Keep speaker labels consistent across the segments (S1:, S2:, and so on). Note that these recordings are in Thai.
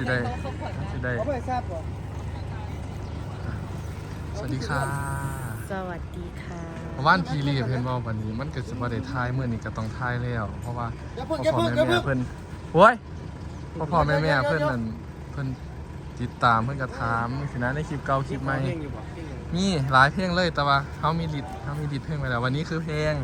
S1: ได้
S2: เขาไม่ทราบก่อน
S1: สวัสดีค่ะ
S3: สวัสดีค่ะ
S1: ว่านพีรีเพื่อนบอกวันนี้มันเกิดสปอร์ตทายเมื่อนี้ก็ต้องทายแล้วเพราะว่าพ่อแม่เพื่อนโว้ยพ่อแม่เพื่อนนั่นเพื่อนติดตามเพื่อนกระถามสินะในคลิปเก่าคลิปใหม่มีหลายเพลงเลยแต่ว่าเขามีดิดเพลงไปแล้ววันนี้คือเพลง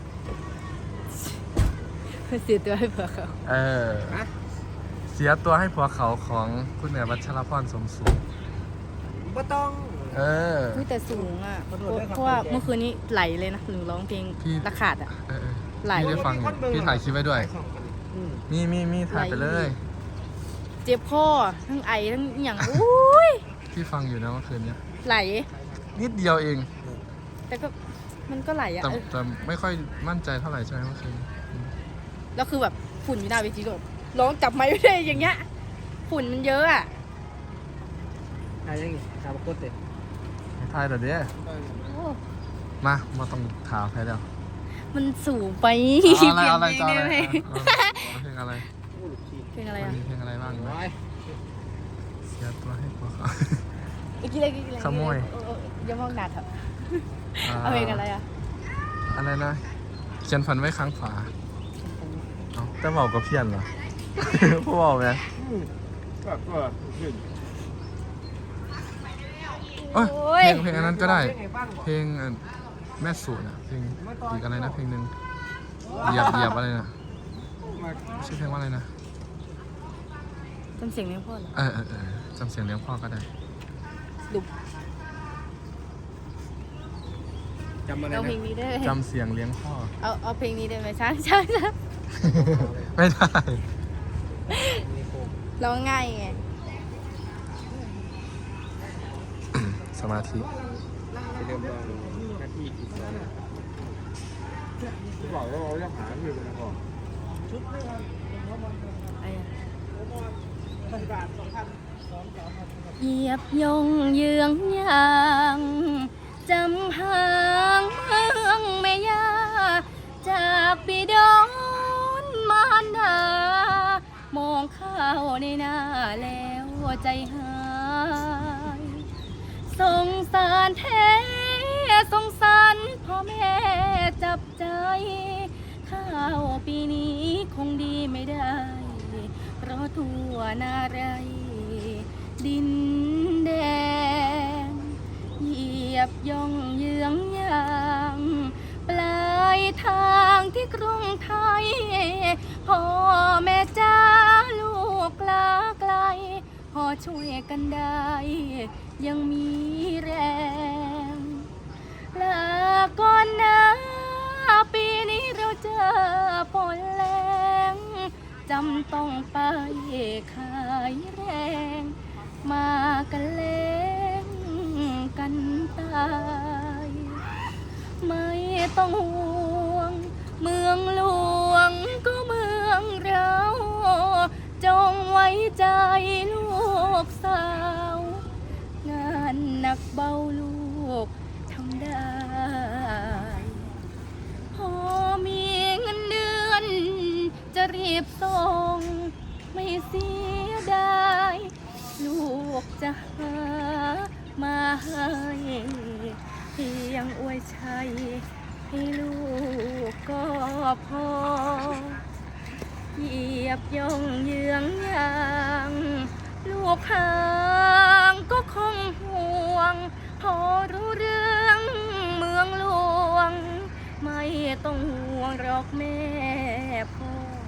S3: เสียตัวให้เผื่อเขา
S1: เสียตัวให้ผัวเขาของคุณแม่วัชรพรสมสูง
S2: ไม่ต้อง
S3: แต่สูงอ่ะเพราะว่าเมื่อคืนนี้ไหลเลยนะหรือร้องเพลงระขาดอ่ะไหล
S1: พี่ได้ฟังพี่ถ่ายคลิปไว้ด้วยมีถ่ายไปเลย
S3: เจ็บคอทั้งไอทั้งอย่างอุ้ย
S1: พี่ฟังอยู่นะเมื่อคืนนี้
S3: ไหล
S1: นิดเดียวเอง
S3: แต่ก็มันก็ไหลอ่ะ
S1: แต่ไม่ค่อยมั่นใจเท่าไหร่ใช่ไหมเมื่อคืน
S3: แล้วคือแบบฝุ่นอยู่หน้าเวทีก็ร้องจับไม้ไม่ได้อย่างเงี้ยฝุ่นมันเยอะอ่ะ
S2: อะไรอย่างงี้ถามกดเด็ด
S1: ถ่ายแต่เนี้ยมาต้องถามใครแล้ว
S3: มันสูงไป
S1: อะไรเพลงอะไร
S3: เพลงอะไร
S1: มีเพลงอะไรบ้างไหมเสียตัวให้ผัวเขา
S3: กี่อะไร
S1: ขโมย
S3: อย่ามองหนาเถอะเอาเพลงอะไรอ่ะ
S1: อะไรนะเขียนฝันไว้ข้างฝาแต่บอกกับเพี้ยนเหรอพูดบอกไหมเพลงอันนั้นก็ได้เพลงแม่สูตรเพลงอีกอะไรนะเพลงหนึ่งเหยียบอะไรนะชื่อเพลงว่าอะไรนะ
S3: จำเสียงเลี้ยงพ่อเหรอ
S1: จำเสียงเลี้ยงพ่อก็ได้
S3: ดุ
S2: จำอะไร
S3: เอา
S2: นะ
S3: เพลงนี้ได้
S1: จำเสียงเลี้ยงพ่อ
S3: เอาเพลงนี้ได้ไหมช้าง
S1: ไม่ได้
S3: ร้องง่ายไง
S1: สมาธิ
S2: ไปเริ่มลองหน้าที่อีกแล้วบอกว่าเราจะหาที่เป็นก่อน
S3: เหยียบยงเยืองยางจำหางเมืองแม่ยาจากบิดอนมารดามองเข้าในหน้าแล้วใจหายสงสารแท้สงสารพ่อแม่จับใจข้าวปีนี้คงดีไม่ได้เพราะทั่วนาไรดินแดนเหยียบย่องเยืองยางปลายทางที่กรุงไทยพ่อแม่จ้าลูกลาไกลพอช่วยกันได้ยังมีแรงลาก่อนนะปีนี้เราเจอฝนแรงจำต้องไปขายแรงมากันเล่งกันตายไม่ต้องห่วงเมืองหลวงก็เมืองเราจงไว้ใจลูกสาวงานหนักเบาลูกทำได้พอมีเงินเดือนจะรีบส่งไม่เสียดายลูกจะหามาให้เพียงอวยชัยให้ลูกก็พอเหยียบย่องเยืองยางลูกห่างก็คงห่วงพอรู้เรื่องเมืองหลวงไม่ต้องห่วงหรอกแม่พ่อ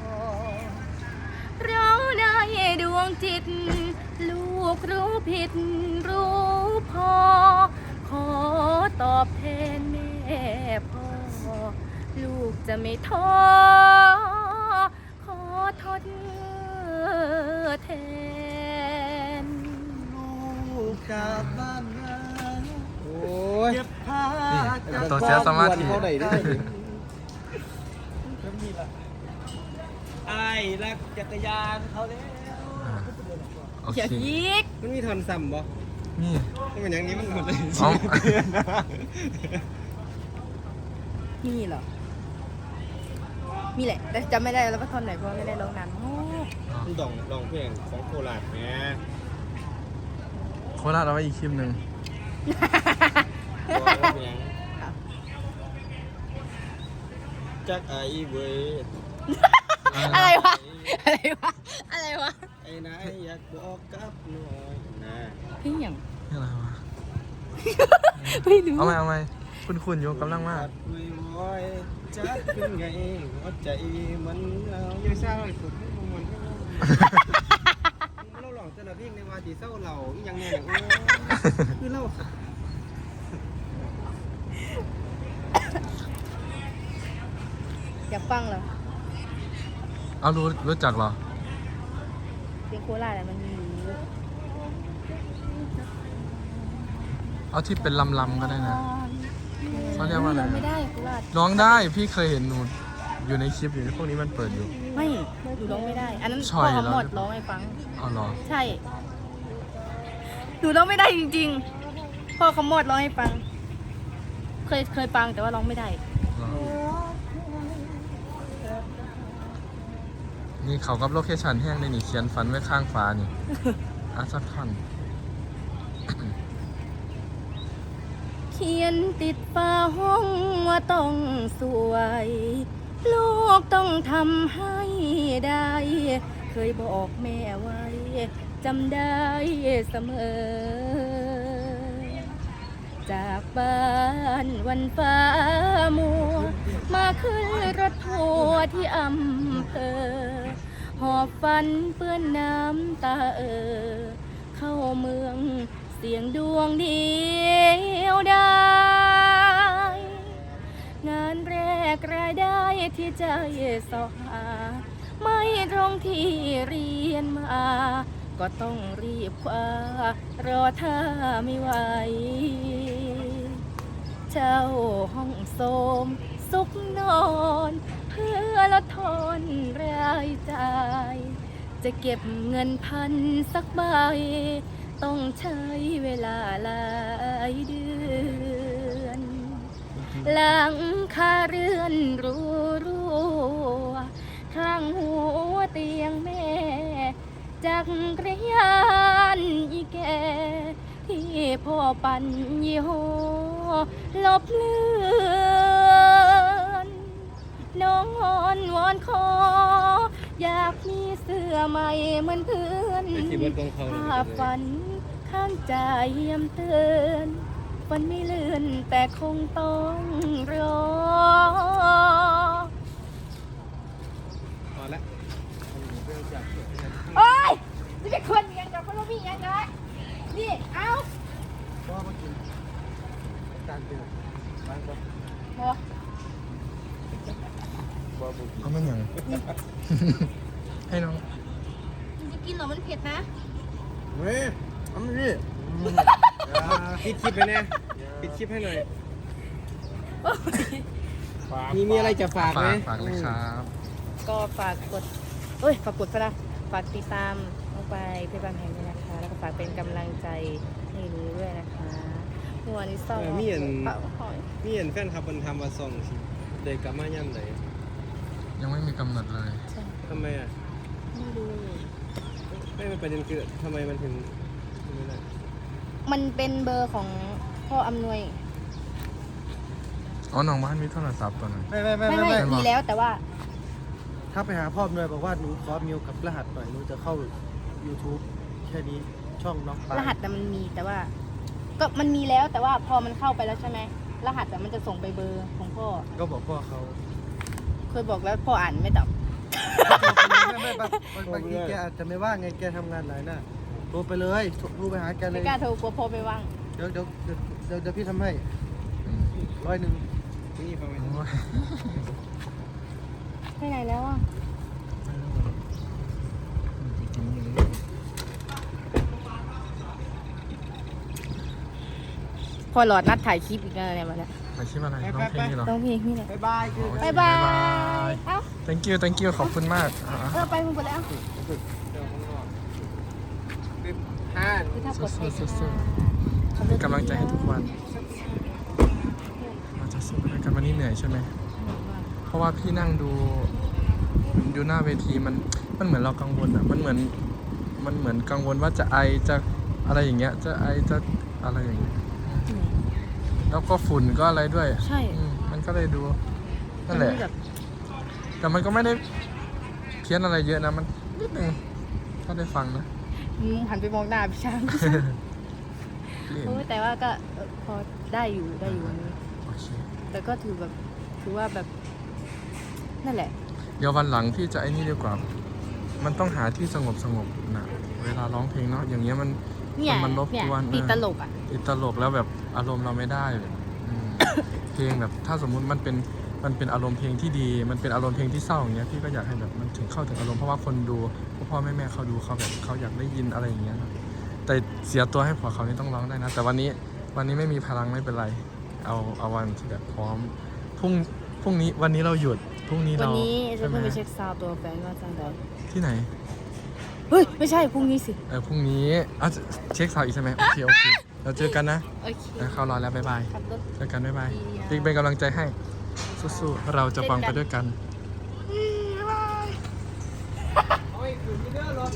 S3: เราได้ดวงจิตลูกรู้ผิดรู้พอขอตอบแทนแม่พ่อลูกจะไม่ท้อขอทดแทน
S2: ลูกกลับบ้านนะโอ้ยเก็บผ้า
S1: ตัวเสียสมาธิ
S2: เท่าไหร่ได้ไอ้รักจักรยานเขาแล้ว
S1: โอ
S3: อย่า
S1: เค
S3: ยิก
S2: มันมีทอนซ้ำบ่
S1: นี่
S2: ถ้าเป็นอย่างนี้มันหมดเลย
S3: มีเหรอ มีแหละ แต่จำไม่ได้แล้วว่าท่อนไหนเพราะไม่ได้ร้องนานมาก
S2: มันลองเพลงของโคราชแหม
S1: โคราชเอาไว้อีกคลิปหนึ่ง
S2: บอกว่าเพลงจักไอ้เว้ย
S3: อะไรวะ อะไรวะ อะไรวะ
S2: ไอ้นายอยากบอกกับหน่อยนะ
S3: พี่หยัง
S1: นี่อะไรวะ
S3: ไม่รู้
S1: เอาไหมคุณอยู่กำลังมาก
S2: จัดไม่ไหวจัดเป็นไงหัวใจมันเอาอย่าเศร้าเลยสุดให้มันเราหลอกแต่ละเพลงในวาทีเศร้าเราอีหยังเนี่ยโอ้คือเรา
S3: อยากฟังเหรอ
S1: เอารู้จักเหรอ
S3: เพลงโคราชอะมันมีอยู่
S1: เอาที่เป็นลำก็ได้นะ เขาเรียกว่าอะไร
S3: ไม่ได้โคราช
S1: ร้องได้พี่เคยเห็นหนูอยู่ในคลิปอยู่พวกนี้มันเปิดอยู่
S3: ไม่หนูร้องไม่ได้ อันนั้น
S1: ช่
S3: พ่
S1: อ
S3: อย เขาหมด
S1: แล้ว
S3: ร้องให้ฟัง
S1: เอาเหรอ
S3: ใช่ หนูร้องไม่ได้จริงๆ พ่อเขาหมดร้องให้ฟัง เคยฟังแต่ว่าร้องไม่ได้
S1: เหรอนี่เขากับโลเคชั่นแห้งเลยนี่เขียนฝันไว้ข้างฟ้านี่อาสักท่อน
S3: เขียนติดฝาห้องว่าต้องสวย ลูกต้องทำให้ได้ เคยบอกแม่ไว้จำได้เสมอ จากบ้านวันฟ้ามัว มาขึ้นรถทัวร์ที่อำเภอ หอบฝันเปื้อนน้ำตาเข้าเมืองเสียงดวงเดียวได้ งานแรกรายได้ที่ใจสอหา ไม่ตรงที่เรียนมา ก็ต้องรีบคว้ารอถ้าไม่ไหว เจ้าห้องโสมสุขนอน เพื่อลดทอนรายจ่าย จะเก็บเงินพันสักใบ ต้องใช้เวลาหลายเดือน หลังคาเรือนรัวข้างหัวเตียงแม่ จักรยานอีแก ที่พ่อปั่นยี่ห้อลบเลือนน้องอ่อนวอนขอ อยากมีเสื้อใหม่เหมือนเพื่อน
S2: ไปที่เบิร์ดกองเขา
S3: ภาพฝันข้างใจเยี่ยมเตือนฝันไม่เลื่อนแต่คงต้องรอ
S2: พอละเรื่องจาก
S3: โอ้ยจะเป็นคนยังกับคนพี่ยังไงนี่ เอา
S2: พ่อมากินการเตือนบ้านก็
S3: บอ
S2: บ่บุก
S1: เอามันอย่าง ให้น้อง
S3: มันจะกินเหรอมันเผ็ดนะ
S2: เว้ยเอามาดิปิดคลิปไปเนี่ยปิดคลิปให้หน่อยมีอะไรจะฝากไหม
S1: ฝากเลยครับ
S3: ก็ฝากกดฝากกดซะนะฝากติดตามลงไปเพจบางแห่งด้วยนะคะ แล้วก็ฝากเป็นกำลังใจให้หนูด้วยนะคะเมื่อวานนี้ซ้อมเป่าหอย
S2: มีเห็นแฟนครับมันทำมาส่งสิเด็กกลับมาย่ำไหน
S1: ยังไม่มีกำหนดเลย
S3: ใช่
S2: ทำไมอ่ะ
S3: ไม่รู้
S2: ไม่เป็นประเด็นคือทำไมมันถึงไม่ได้
S3: มันเป็นเบอร์ของพ่ออำนวย
S1: อ๋อน้องบ้านมีโทรศัพท์ตัวนั้น
S3: ไม่มีแล้วแต่ว่า
S2: ถ้าไปหาพ่อหน่วยบอกว่าหนูขอมิวกับรหัสหน่อยหนูจะเข้า YouTube แค่นี้ช่องน้องปาร
S3: หัสแต่มันมีแต่ว่า ก็มันมีแล้วแต่ว่าพอมันเข้าไปแล้วใช่ไหมรหัสแต่มันจะส่งไปเบอร์ของพ่อ
S2: ก็บอกพ่อเขา
S3: เคยบอกแล้วพ่ออ่านไม่ตอบ
S2: ไม่บางทีแกอาจจะไม่ว่างไงแกทำงานหลายหน้าโทรไปเลยโทรไปหาแกเล
S3: ไม่
S2: ย
S3: กล้าโทรกลัวพ่อไม่ว่าง
S2: เดี๋ยวพี่ทำให้
S1: อืม
S2: 100นี่ฟังไหม
S1: โอ้ย
S3: ไปไหนแล้วอ่ะ
S1: กินอย่างนี้
S3: พอหลอดนัดถ่ายคลิปอีกแล้วเนี่ยมาแล้ว
S1: ไปชิมอะไรร้องเพลงนี่เหรอ
S3: ต้องเพลงนี่แหละ
S2: บ๊ายบายคือ
S1: โอเค
S3: บ๊ายบาย
S1: บ๊ายบาย
S3: เอ้า
S1: thank you ขอบคุณมากอ่ะ
S3: ไปมึงไปแล้ว
S2: 5
S3: คือถ้ากดไป
S1: สู้ๆเป็นกำลังใจให้ทุกวัน เราจะสู้ไปด้วยกันวันนี้เหนื่อยใช่ไหม เพราะว่าพี่นั่งดูหน้าเวทีมันมันเหมือนเรากังวลอ่ะมันเหมือนกังวลว่าจะไอจะอะไรอย่างเงี้ยจะไอจะอะไรอย่างเงี้ยแล้วก็ฝุ่นก็อะไรด้วย
S3: ใช่
S1: มันก็เลยดูนั่นแหละ
S3: แบบ
S1: แต่มันก็ไม่ได้เพี้ยนอะไรเยอะนะมันนิดนึงถ้าได้ฟังนะ
S3: หันไปมองหน้าพี่ช้าง โอ้ยแต่ว่าก็พอได้อยู่วันนี้
S1: โอเค
S3: แต่ก็ถือว่าแบบนั่นแหละ
S1: เดี๋ยววันหลังที่จะไอ้นี่ดีกว่า มันต้องหาที่สงบนะเวลาร้องเพลงเนาะอย่างเงี้ยมัน
S3: เนี่ย
S1: มันรบ
S3: เนี่ย
S1: กวน
S3: ติดตลกอ่ะ
S1: ติดตลกแล้วแบบอารมณ์เราไม่ได้เพลงแบบถ้าสมมุติมันเป็นอารมณ์เพลงที่ดี มันเป็นอารมณ์เพลงที่เศร้าอย่างเงี้ยพี่ก็อยากให้แบบมันเข้าถึงอารมณ์เพราะว่าคนดูพ่อแม่เขาดูเขาแบบเขาอยากได้ยินอะไรอย่างเงี้ยนะแต่เสียตัวให้ผัวเขานี่ต้องร้องได้นะแต่วันนี้ไม่มีพลังไม่เป็นไรเอาวันที่แบบพร้อมพรุ่งนี้วันนี้เราหยุดพรุ่งนี้
S3: วัน
S1: เรา
S3: นี้จะ
S1: ใช่ไหม
S3: เพิ่งไปเช็คซาวด์ตัวแฟนว่าจังใด
S1: ที่ไหน
S3: เฮ้ยไม่ใช่พรุ่งนี้สิ
S1: พรุ่งนี้เช็คสาวอีกใช่ไหมโอเคเราเจอกันนะ
S3: โอเค
S1: เข้ารอแล้วบ๊ายบาย
S3: ขับรถ
S1: เจอกันบ๊ายบาย
S3: ดีนะ
S1: ปิ๊กเป็นกำลังใจให้สู้ๆเราจะฟังไปด้วยกัน